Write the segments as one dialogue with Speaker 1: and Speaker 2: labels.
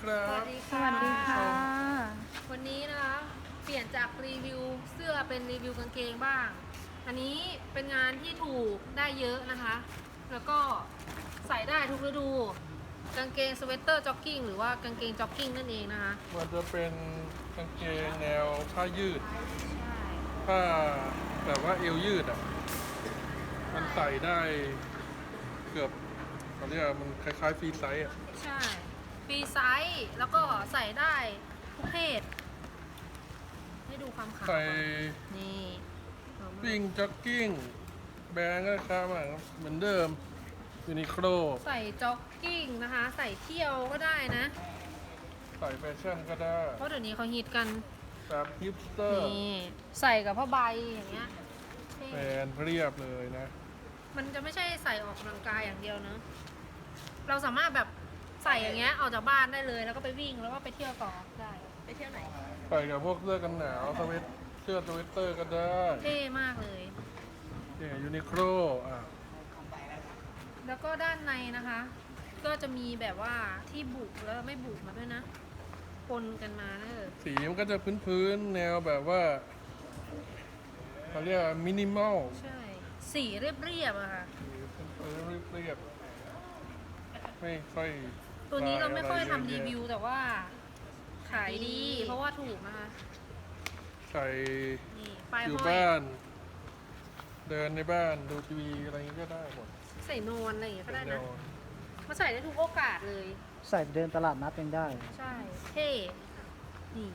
Speaker 1: ครับ
Speaker 2: สวัสดี
Speaker 3: ส
Speaker 2: ค่ะ
Speaker 3: วัสดีค่ะ
Speaker 2: วันนี้นะคะเปลี่ยนจากรีวิวเสื้อเป็นรีวิวกางเกงบ้าง อันนี้เป็นงานที่ถูกได้เยอะนะคะ แล้วก็ใส่ได้ทุกฤดู กางเกงสเวตเตอร์จ็อกกิ้งหรือว่ากางเกงจ็อกกิ้งนั่นเองนะคะ
Speaker 1: มันจะเป็นกางเกงแนวผ้ายืด
Speaker 2: ใช่
Speaker 1: ผ้าแบบว่าเอวยืดอ่ะ มันใส่ได้เกือบเขาเรียกว่ามันคล้ายๆฟรีไซส์อ่ะ
Speaker 2: ใช่ฟรีไซส์แล้วก็ใส่ได้ทุกเพศ ให้ดูความขาว
Speaker 1: ใส่
Speaker 2: นี่
Speaker 1: วิ่งจ็อกกิ้งแบรนด์ก็ค้ามาเหมือนเดิมยูนิโคล
Speaker 2: ใส่จ็อกกิ้งนะคะ ใส่เที่ยวก็ได้นะ
Speaker 1: ใส่แฟชั่นก็ได้
Speaker 2: เพราะเดี๋ยวนี้เขาฮิตกัน
Speaker 1: แบบฮิปสเตอร์
Speaker 2: นี่ใส่กับผ้าใบอย่างเงี้ยเท่
Speaker 1: แบรนด์เรียบเลยนะ
Speaker 2: มันจะไม่ใช่ใส่ออกกำลังกายอย่างเดียวเนอะเราสามารถแบบใส่อย่างเงี้ยออกจากบ้านได้เลย แล้วก็ไปวิ่งแล้วก็ไปเที่ยวต่อได้ไปเที่ยวไหน
Speaker 1: ใส่กับพวกเสื้อกันหนาวเสื้อสเวตเตอร์ก็ได้
Speaker 2: เท่มากเลย
Speaker 1: เนี่ยยูนิโคลอ่ะ
Speaker 2: แล้วก็ด้านในนะคะ ก็จะมีแบบว่าที่บุกแล้วไม่บุกมาด้วยนะปนกันมาเนอะ
Speaker 1: สีมันก็จะพื้นๆแนวแบบว่าเขาเรียกมินิมอล
Speaker 2: ใช่สีเรียบๆอะค่ะ
Speaker 1: พื้นๆเรียบๆไม่ค่อย
Speaker 2: ตัวนี้เราไม่ค่อยทำรี
Speaker 1: ะ
Speaker 2: วิวแต่ว่าขายดี เพราะว่าถูกนะคะ
Speaker 1: ใส่
Speaker 2: นี่ป้าย
Speaker 1: อยู่
Speaker 2: ห้อย
Speaker 1: บ้าน เดินในบ้านดูทีวีอะไรอย่างนี้ก็ได้หมด
Speaker 2: ใส่นอนอะไรอย่างเงี้ยก็ได้
Speaker 1: แน
Speaker 2: นะ
Speaker 1: ว
Speaker 2: มาใส่ได้ทุกโอกาสเลย
Speaker 3: ใส่เดินตลาดนัดยังได้
Speaker 2: ใช่ เท่นี่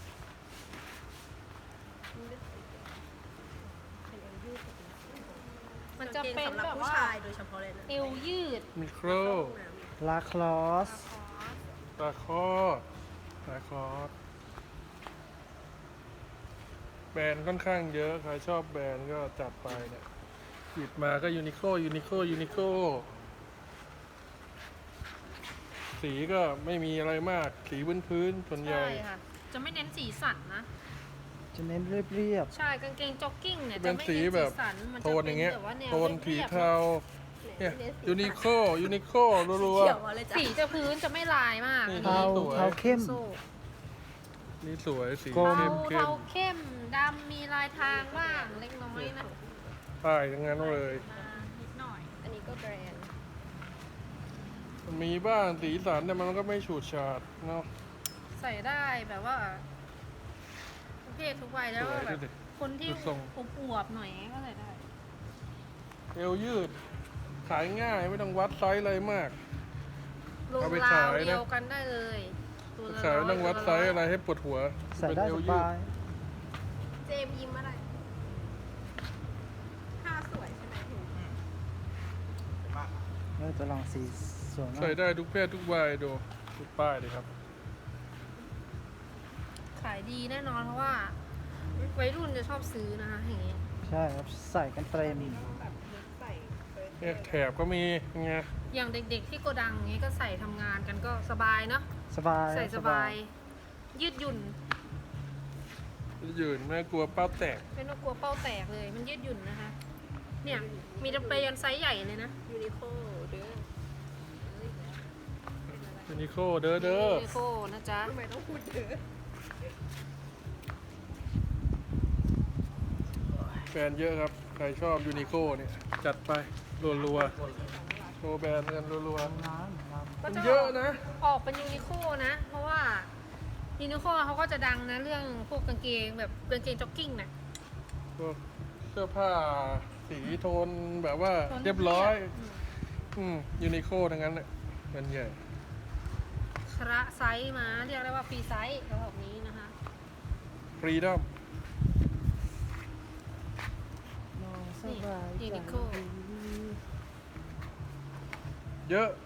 Speaker 2: มันจะเป็นแบบว่า
Speaker 4: โดยเฉพาะเลยนะ
Speaker 2: เอวยืด
Speaker 1: มิโคร
Speaker 3: ลาคลอส
Speaker 1: ตาคอสตาคอสแบรนด์ค่อนข้างเยอะ ใครชอบแบรนด์ก็จัดไปเนี่ยหยิบมาก็ยูนิโคสีก็ไม่มีอะไรมาก สีพื้นๆส่วนใหญ่
Speaker 2: ใช่ค่ะ จะไม่เน้นสีสันนะ
Speaker 3: จะเน้นเรียบ
Speaker 2: ใช่กางเกงจ็อกกิ้งเนี่ย
Speaker 1: เป็
Speaker 2: จะ
Speaker 1: น
Speaker 2: ไม่
Speaker 1: สี
Speaker 2: เน้น
Speaker 1: แบ
Speaker 2: สี
Speaker 1: บ
Speaker 2: สันมัน
Speaker 1: โท
Speaker 2: จะ
Speaker 1: นอ
Speaker 2: เป็น
Speaker 1: ย่างเงี้ย
Speaker 2: แบบว่าแนว
Speaker 1: โทนสี
Speaker 2: เรียบ
Speaker 1: เทาเนี่ยยูนิโครัว
Speaker 4: เขียวมาเลยจ้ะ
Speaker 2: สีจะพื้นจะไม่ลายมาก
Speaker 1: นี่
Speaker 3: ๆเทา
Speaker 1: สวย
Speaker 3: เทาเข้ม
Speaker 2: โซ่
Speaker 1: ๆนี่สวยสี
Speaker 3: กลม
Speaker 1: เข้
Speaker 2: เทาม เข้มดำมีลายทางบ้างเล็กน้อยนะ
Speaker 1: ๆป้ายทั้งนั้นเลย
Speaker 2: นิดหน่อย อันนี้ก็แบรนด์
Speaker 1: มันมีบ้างสีสันแต่มันก็ไม่ฉูดฉาดเนาะ
Speaker 2: ใส่ได้แบบว่าทุกเพศทุกวัยแล้วก็
Speaker 1: สวย
Speaker 2: แบ
Speaker 1: ดู
Speaker 2: บ
Speaker 1: ดิ
Speaker 2: คนที่
Speaker 1: ดูทรง
Speaker 2: อวบๆหน่อยก็ใส่ได้
Speaker 1: เอวยืด ขายง่ายไม่ต้องวัดไซส์อะไรมาก
Speaker 2: ลง
Speaker 1: เอาไป
Speaker 2: รา
Speaker 1: ขายว นะ
Speaker 2: เดียวกันได้เลยตัวละ
Speaker 1: ขายไม่ต้องวัดไซส์
Speaker 2: 100
Speaker 1: อะไรให้ปวดหัว
Speaker 3: ใส่ได้
Speaker 1: เป็นเอ
Speaker 3: ส
Speaker 1: วยื
Speaker 3: บาย
Speaker 4: เจมยิ้มอะไรผ้าสวยใช่ไหมถึง
Speaker 3: จะลองสีสวยมา
Speaker 1: ใส่
Speaker 3: ก
Speaker 1: ได้ทุกเพศทุกวัยดูป้ายเลยครับ
Speaker 2: ขายดีแน่นอนเพราะว่าวัยรุ่นจะชอบซื้อนะคะอย่างงี้
Speaker 3: ใช่ครับ ใส่กันเต็ม
Speaker 4: แบบใส่
Speaker 1: เนี่ยแถบก็มีไง
Speaker 2: อย่างเด็กๆที่โกดังอย่างงี้ก็ใส่ทำงานกันก็สบายเนาะ
Speaker 3: สบาย
Speaker 2: ใส่สบาย ยืดหยุ่น
Speaker 1: ยืนไม่กลัวเป้าแตก
Speaker 2: ไม่ต้องกลัวเป้าแตกเลย มันยืดหยุ่นนะคะ เนี่ยมีจำเป็นยันไซส์ใหญ่เลยนะ
Speaker 4: ยูนิโคเด้อ
Speaker 1: ยูนิโคเด้อ
Speaker 2: ยูนิโคนะจ๊ะ
Speaker 4: ทำไมต้องพูดเด้อ
Speaker 1: แบรนด์เยอะครับ ใครชอบยูนิโคเนี่ย จัดไปรัวๆโชว์แบรนด์กันรัว
Speaker 3: น้ำน้
Speaker 1: ๆ
Speaker 2: ก็
Speaker 1: มัน
Speaker 2: จะ
Speaker 1: เยอะนะ
Speaker 2: ออกเป็นยูนิโคนะ เพราะว่ายูนิโคเขาก็จะดังนะเรื่องพวกกางเกงแบบกางเกงจ็อกกิ้งน่ะ
Speaker 1: พวกเสื้อผ้าสีโทนแบบว่า
Speaker 2: โทน
Speaker 1: เรียบร้อย
Speaker 2: อืม
Speaker 1: ยูนิโคทั้งนั้นเลยมันใหญ่
Speaker 2: คระไซส์มาเรียกได้ว่าฟรีไซส์เขาแบบนี้นะคะ
Speaker 1: ฟรีดอม
Speaker 3: ำนอนสบาย
Speaker 2: นี่
Speaker 3: ใจ
Speaker 2: ยูนิโค
Speaker 1: เยอะ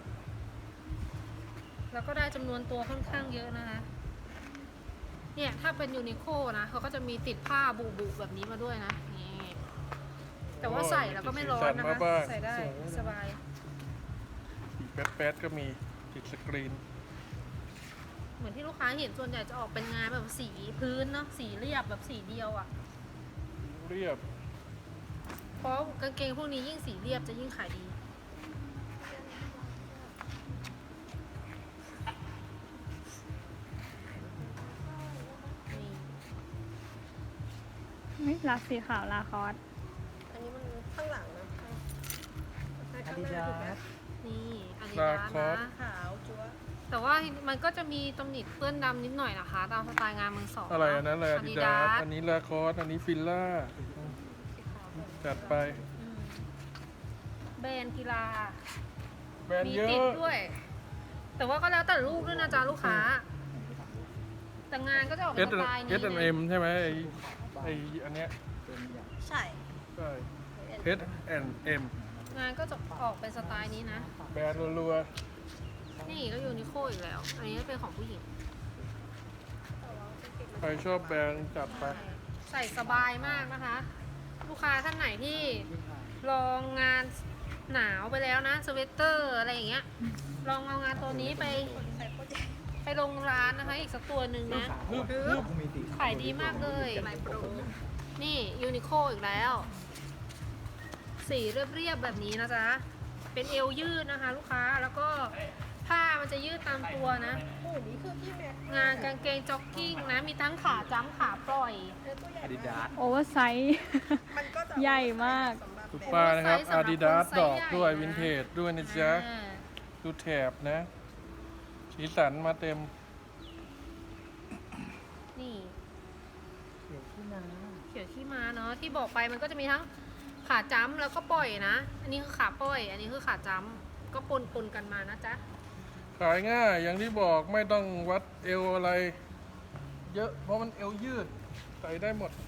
Speaker 2: แล้วก็ได้จำนวนตัวค่อนข้างเยอะนะคะ เนี่ยถ้าเป็นยูนิโคนะเขาก็จะมีติดผ้าบุแบบนี้มาด้วยนะนี่แต่ว่าใส่แล้วก็ไม่ร้อนนะคะ ใส่ได้สบาย
Speaker 1: สีแป๊ดๆก็มีติดสกรีน
Speaker 2: เหมือนที่ลูกค้าเห็นส่วนใหญ่จะออกเป็นงานแบบสีพื้นเนาะสีเรียบแบบสีเดียวอะ่ะ
Speaker 1: เรียบ
Speaker 2: เพราะกางเกงพวกนี้ยิ่งสีเรียบจะยิ่งขายดี
Speaker 1: น
Speaker 5: นี่ลาสีขาวลาคอส
Speaker 4: อันนี้มันข้างหลังนะข้าง
Speaker 3: อา
Speaker 4: ข้าง
Speaker 3: ดิ
Speaker 4: หน้า
Speaker 3: ดา
Speaker 4: ถูกไหม
Speaker 3: ส
Speaker 2: นี่อาดิ
Speaker 1: ลา
Speaker 2: ดาส
Speaker 1: คอส
Speaker 2: นะ
Speaker 4: ขาวจั๊ว
Speaker 2: แต่ว่ามันก็จะมีตำหนิเปื้อนดำนิดหน่อยนะคะตามสไตล์งานมือสอง
Speaker 1: อะไรอันนั้นอะไรอาดิดาส
Speaker 2: Adidas
Speaker 1: อันนี้ลาคอสอันนี้ฟิลล่าจัดไป
Speaker 2: อืมแบรนด์กีฬา
Speaker 1: แบรนด์
Speaker 2: มี
Speaker 1: เยอะ
Speaker 2: ติดด้วย แต่ว่าก็แล้วแต่ลูกด้วยนะจ๊ะลูกค้า แต่งานก็จะออกเป็นสไตล์นี้
Speaker 1: H&M ใช่ไหมไออันเนี้ย
Speaker 4: ใช่
Speaker 1: ใช่ H&M
Speaker 2: งานก็จะออกเป็นสไตล์นี้นะ
Speaker 1: แบรนด์รัว
Speaker 2: นี่ก็ยูนิโคอีกแล้ว อันนี้เป็นของผู้หญิง
Speaker 1: ๆใครชอบแบรนด์จัดไป
Speaker 2: ใส่สบายมากนะคะ ลูกค้าท่านไหนที่ลองงานหนาวไปแล้วนะ สเวตเตอร์อะไรอย่างเงี้ย ลองเอางานตัวนี้ไปลงร้านนะคะ อีกสักตัวหนึ่งนะ ขายดีมากเลย
Speaker 4: ลายโปร
Speaker 2: นี่ยูนิโคอีกแล้ว สีเรียบๆแบบนี้นะจ๊ะ เป็นเอวยืดนะคะ ลูกค้า แล้วก็ผ้ามันจะยืดตามตัวนะ
Speaker 4: โอ้นี่คือพี่แม็ก
Speaker 2: งานกางเกงจ็อกกิ้งนะ มีทั้งขาจ้ำขาปล่อย
Speaker 4: ตัวใหญ่
Speaker 3: อาดิดาส
Speaker 5: โอเวอร์ไซส์
Speaker 4: มันก็จะ
Speaker 5: ใหญ่มาก
Speaker 4: สำหรับ
Speaker 1: ทุก
Speaker 4: แบบ
Speaker 1: ป้ายนะครับ
Speaker 2: สำหรับคน
Speaker 1: Adidas
Speaker 2: ไซส์
Speaker 1: ดอกด้วย
Speaker 2: ใหญ่นะ
Speaker 1: วินเทจด้วยนะจ๊ะ
Speaker 2: อ่า
Speaker 1: ดูแถบนะ สีสันมาเต็ม
Speaker 2: นี่
Speaker 3: เดี๋ยวที่นา
Speaker 2: เขียวขี้ม้าเนาะที่บอกไปมันก็จะมีทั้งขาจ้ำแล้วก็ปล่อยนะ อันนี้คือขาปล่อย อันนี้คือขาจ้ำก็ปนกันมานะจ๊ะ
Speaker 1: ขายง่ายอย่างที่บอกไม่ต้องวัดเอวอะไร เยอะเพราะมันเอวยืด ใส่ได้หมด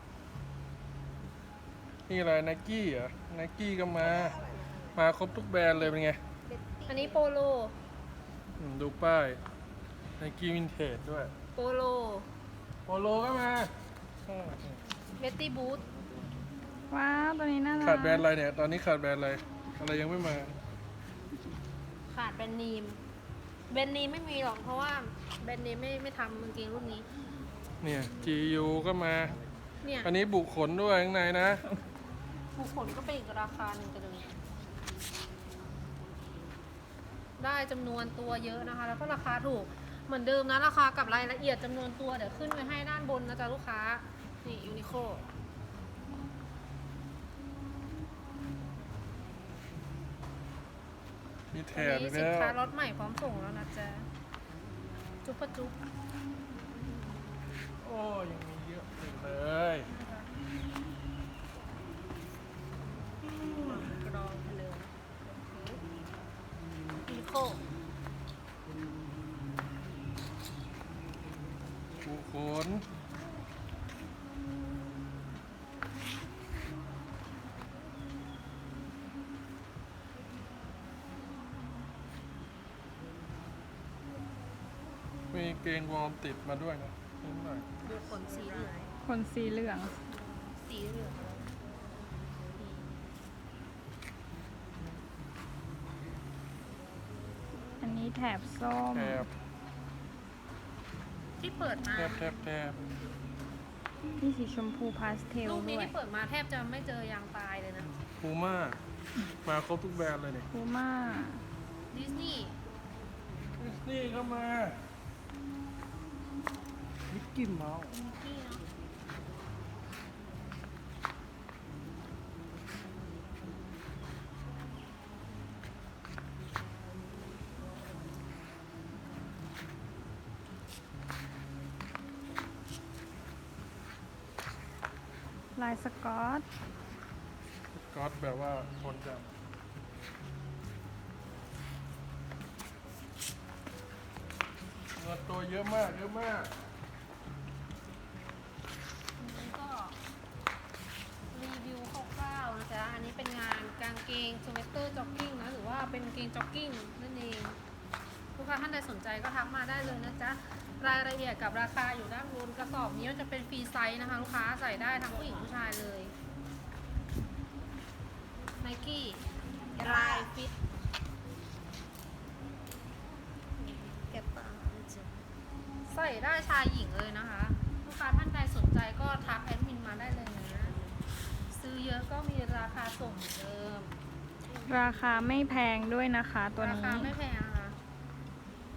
Speaker 1: นี่อะไรไนกี้เหรอไนกี้ก็มา มาครบทุกแบรนด์เลยเป็นไง
Speaker 2: อันนี้โปโล
Speaker 1: ดูป้ายไนกี้วินเทจด้วย
Speaker 2: โปโล
Speaker 1: โปโลก็มา
Speaker 2: เบตตี้บูท
Speaker 5: ว้าวตัวนี้น่ารัก
Speaker 1: ขาดแบรนด์อะไรเนี่ย ตอนนี้ขาดแบรนด์อะไร อะไรยังไม่มา
Speaker 2: ขาดแบรนด์เนีมแบรนด์เนีมไม่มีหรอกเพราะว่าแบรนด์เนีมไม่ทำกางเกงรุ่นนี้
Speaker 1: เนี่ย GU ก็มา
Speaker 2: เนี่ย
Speaker 1: อันนี้บุขนด้วยข้างในนะ
Speaker 2: ผู้ขนก็เป็นอีกราคาหนึ่งกันเลยได้จำนวนตัวเยอะนะคะ แล้วก็ราคาถูกเหมือนเดิมนะราคากับรายละเอียดจำนวนตัวเดี๋ยวขึ้นไว้ให้ด้านบนนะจ๊ะลูกค้า นี่ยูนิโค
Speaker 1: มีแถ
Speaker 2: อั
Speaker 1: บ
Speaker 2: น
Speaker 1: อี
Speaker 2: นี้
Speaker 1: ก
Speaker 2: สิน
Speaker 1: แล้ว
Speaker 2: ค้ารถใหม่พร้อมส่งแล้วนะจ๊ะ จุ๊บปะจุ๊บ
Speaker 1: โอ้ยังมีเยอะอีกเลย
Speaker 2: กรองไปเลยยูนิโค
Speaker 1: บุขนมีเกงวอร์มติดมาด้วยนะนิดหน่อย
Speaker 2: ดูขนสีเหลือง
Speaker 5: คนสีเหลือง
Speaker 2: สีเหลือง
Speaker 5: อันนี้แถบส้ม
Speaker 1: แถบ
Speaker 2: ที่เปิดมา
Speaker 1: แถบ
Speaker 5: นี่สีชมพูพาสเทล
Speaker 2: ลูกนี้
Speaker 5: ด้วย
Speaker 2: ที่เปิดมาแทบจะไม่เจอยางตายเลยนะ
Speaker 1: พูม่ามาครบทุกแบรนด์เลยเนี่ย
Speaker 5: พูม่า
Speaker 2: ดิสนีย์
Speaker 1: ดิสนีย์ก็มา
Speaker 3: มิกกี้เมาส์
Speaker 2: มิกกี้เนาะ
Speaker 5: ลายสกอต
Speaker 1: ก๊อตแบบว่าทนจับเงินตัวเยอะมากเยอะมาก
Speaker 2: อันนี้ก็รีวิวคร่าวๆนะจ๊ะ อันนี้เป็นงานกางเกงสเวตเตอร์จ็อกกิ้งนะ หรือว่าเป็นกางเกงจ็อกกิ้งนั่นเอง ลูกค้าท่านใดสนใจก็ทักมาได้เลยนะจ๊ะ รายละเอียดกับราคาอยู่ด้านบนกระสอบนี้มันจะเป็นฟรีไซส์นะคะ ลูกค้าใส่ได้ทั้งผู้หญิงผู้ชายเลยไนกี้รายฟิต
Speaker 4: เก็บปากจริง
Speaker 2: ใส่ได้ชายหญิงเลยนะคะ ลูกค้าท่านใดสนใจก็ทักแอดมินมาได้เลยนะ ซื้อเยอะก็มีราคาส่งเหมือนเดิม
Speaker 5: ราคาไม่แพงด้วยนะคะตัว
Speaker 2: รา
Speaker 5: นี้
Speaker 2: คาไม่แพงนะคะ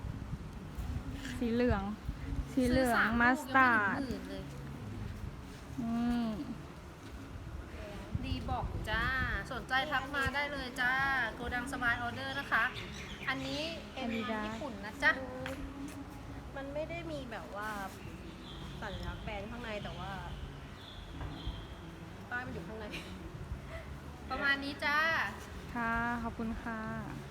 Speaker 5: สีเหลือง สีเหลือง
Speaker 2: ซื้ส
Speaker 5: มา
Speaker 2: ลูก
Speaker 5: ส
Speaker 2: ยัง
Speaker 5: ตาร์ด
Speaker 2: ไม่ถึงหมื่นเลย
Speaker 5: อืม
Speaker 2: ดีบอกจ้า สนใจทักมาได้เลยจ้าโกดังสมายออเดอร์นะคะ อันนี้เป็น
Speaker 5: Adidas
Speaker 2: ญี่ปุ่นนะจ๊ะ
Speaker 4: มันไม่ได้มีแบบว่าสัญลักษณ์แบรนด์ข้างในแต่ว่าป้ายมันอยู่ข้างใน
Speaker 2: ประมาณนี้จ้า
Speaker 5: ค่ะ ขอบคุณค่ะ